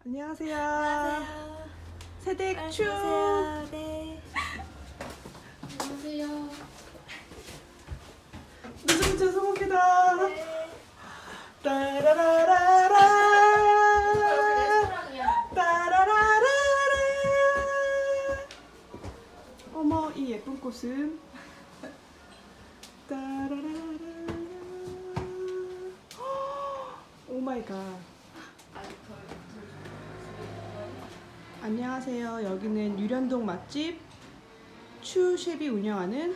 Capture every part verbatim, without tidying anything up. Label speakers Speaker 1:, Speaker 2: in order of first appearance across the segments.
Speaker 1: 안녕하세요.
Speaker 2: 안녕하세요.
Speaker 1: 세댁추.
Speaker 2: 안녕하세요. 네.
Speaker 3: 안녕하세요.
Speaker 1: 늦은 죄송합니다.
Speaker 2: 네.
Speaker 1: 따라라라라.
Speaker 3: 레스토랑이야.
Speaker 1: 따라라라라. 어머, 이 예쁜 꽃은. 따라라라. 오 마이 갓. 안녕하세요. 여기는 유련동 맛집 추셰프이 운영하는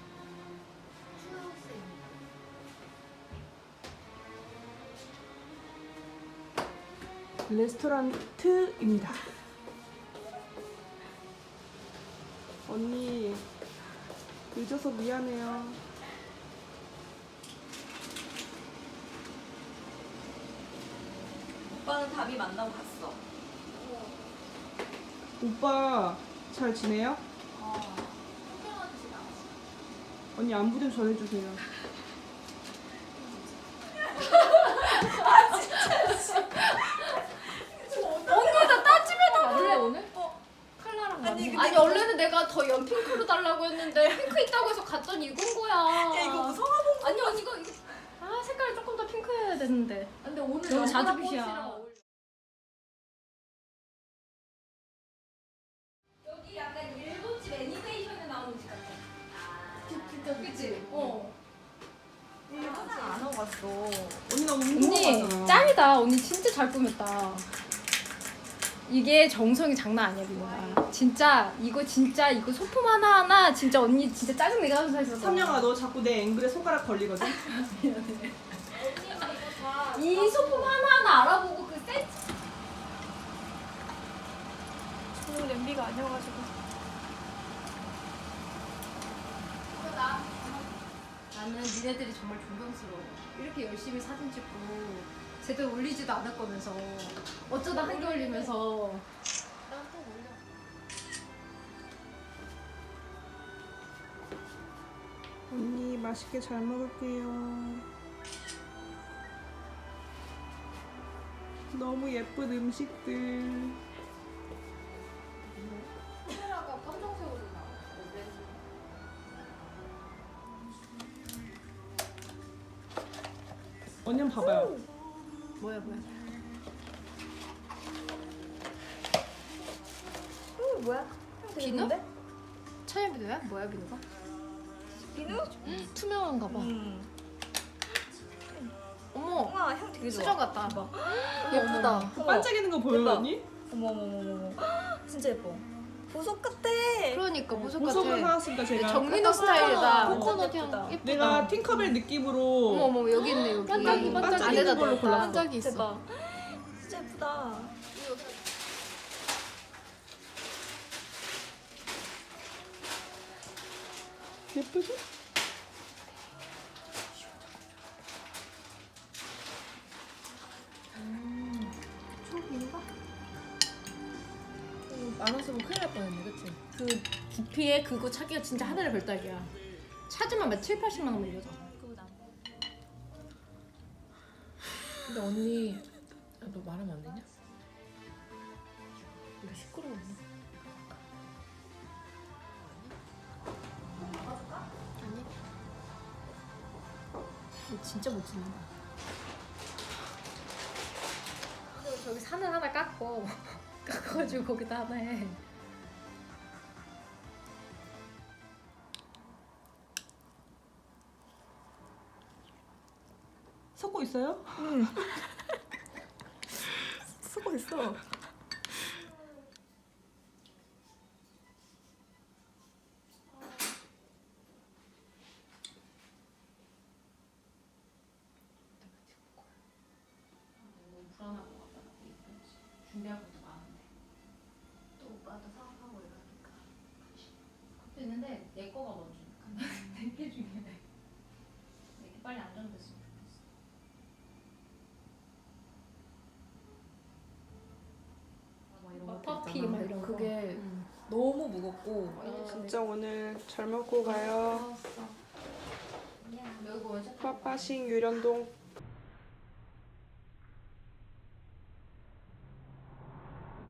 Speaker 1: 레스토랑트입니다. 언니 늦어서 미안해요.
Speaker 2: 오빠는 답이 만나고 갔어.
Speaker 1: 오빠 잘 지내요?
Speaker 2: 어.
Speaker 1: 언니 안부 좀 전해주세요.
Speaker 3: 언니 나 따집에다 볼래 오늘?
Speaker 2: 어.
Speaker 3: 칼라랑
Speaker 2: 아니,
Speaker 3: 아니,
Speaker 2: 근데
Speaker 3: 아니
Speaker 2: 이거-
Speaker 3: 원래는 내가 더 연핑크로 달라고 했는데 핑크 있다고 해서 갔더니 이건 거야.
Speaker 2: 야 이거 뭐 성화봉.
Speaker 3: 아니 언니 이거, 이거 아 색깔이 조금 더 핑크여야 되는데.
Speaker 2: 근데 오늘
Speaker 3: 너무
Speaker 2: 연보라
Speaker 3: 자주빛이야.
Speaker 2: 꽃이랑 어울려. 여기 약간 일본집 애니메이션에 나오는 집 같아. 아.
Speaker 3: 진짜 그치? 어.
Speaker 2: 항상 안 하고 갔어.
Speaker 1: 언니 나 너무
Speaker 3: 언니
Speaker 1: 궁금하잖아.
Speaker 3: 짱이다. 언니 진짜 잘 꾸몄다. 이게 정성이 장난 아니야 민호가. 진짜 이거 진짜 이거 소품 하나 하나 진짜 언니 진짜 짜증 내게 하면서 했었어.
Speaker 1: 삼영아 너 자꾸 내 앵글에 손가락 걸리거든?
Speaker 3: 이 소품 하나 하나 알아보고 그 센스.
Speaker 2: 저는 냄비가 아니어가지고.
Speaker 3: 나는 니네들이 정말 존경스러워. 이렇게 열심히 사진 찍고 제대로 올리지도 않을 거면서 어쩌다 한 개 올리면서. 난또 올려.
Speaker 1: 언니 맛있게 잘 먹을게요. 너무 예쁜 음식들.
Speaker 3: 카메라가 검정색으로 나와.
Speaker 1: 언니 한번 봐봐요.
Speaker 3: 뭐야 뭐야.
Speaker 2: 어 뭐야?
Speaker 3: 비누? 천연 비누야? 뭐야 비누가?
Speaker 2: 비누?
Speaker 3: 투명한가 봐.
Speaker 2: 음.
Speaker 3: 어머.
Speaker 2: 우와 향 되게 좋아.
Speaker 3: 수정 같다.
Speaker 2: 대박.
Speaker 3: 예쁘다.
Speaker 1: 그 반짝이는 거 보여요
Speaker 2: 대박.
Speaker 1: 언니?
Speaker 2: 어머 어머 어머 어머. 진짜 예뻐. 보석 같아.
Speaker 3: 그러니까 보석
Speaker 1: 보석을
Speaker 3: 같아.
Speaker 1: 사왔으니까 제가
Speaker 3: 정민호 스타일이다.
Speaker 2: 어,
Speaker 3: 코코넛
Speaker 2: 예쁘다.
Speaker 3: 향 예쁘다.
Speaker 1: 내가 팅커벨 느낌으로
Speaker 3: 어머 어머 여기 있네 여기.
Speaker 1: 반짝이, 반짝이
Speaker 3: 안에다
Speaker 1: 있는 걸로
Speaker 3: 넣었다.
Speaker 1: 골랐어.
Speaker 3: 반짝이 있어.
Speaker 2: 대박. 진짜 예쁘다.
Speaker 1: 예쁘지?
Speaker 3: 초록인가? 만 원 쓰면 큰일 날 뻔했네, 그치? 그 두피에 그거 차기가 진짜 하늘의 별따기야. 찾으면 막 칠, 팔십만 원 밀려서.
Speaker 4: 근데 언니, 아, 너 말하면 안 되냐? 이거 시끄러웠나?
Speaker 3: 아니. 이거 진짜 못 찍는다. 그리고 저기 산을 하나 깎고 깎아가지고 거기다 하나 해.
Speaker 1: 섞고 있어요?
Speaker 2: 쓰고 있어.
Speaker 3: 너무 불안할 것 같다. 준비할 것도 많은데. 또 오빠도 사업하고 이러니까. 그것도 있는데 내 거가 먼저니까. 내 게 중요해. 내 게 빨리 안정됐으면 좋겠어. 막 이런 거
Speaker 4: 퍼피
Speaker 3: 있잖아.
Speaker 4: 막 이런 거.
Speaker 3: 그게
Speaker 4: 응. 너무 무겁고
Speaker 1: 진짜 오늘 잘 먹고 가요.
Speaker 3: 여기 원샷
Speaker 1: 빠빠싱 유련동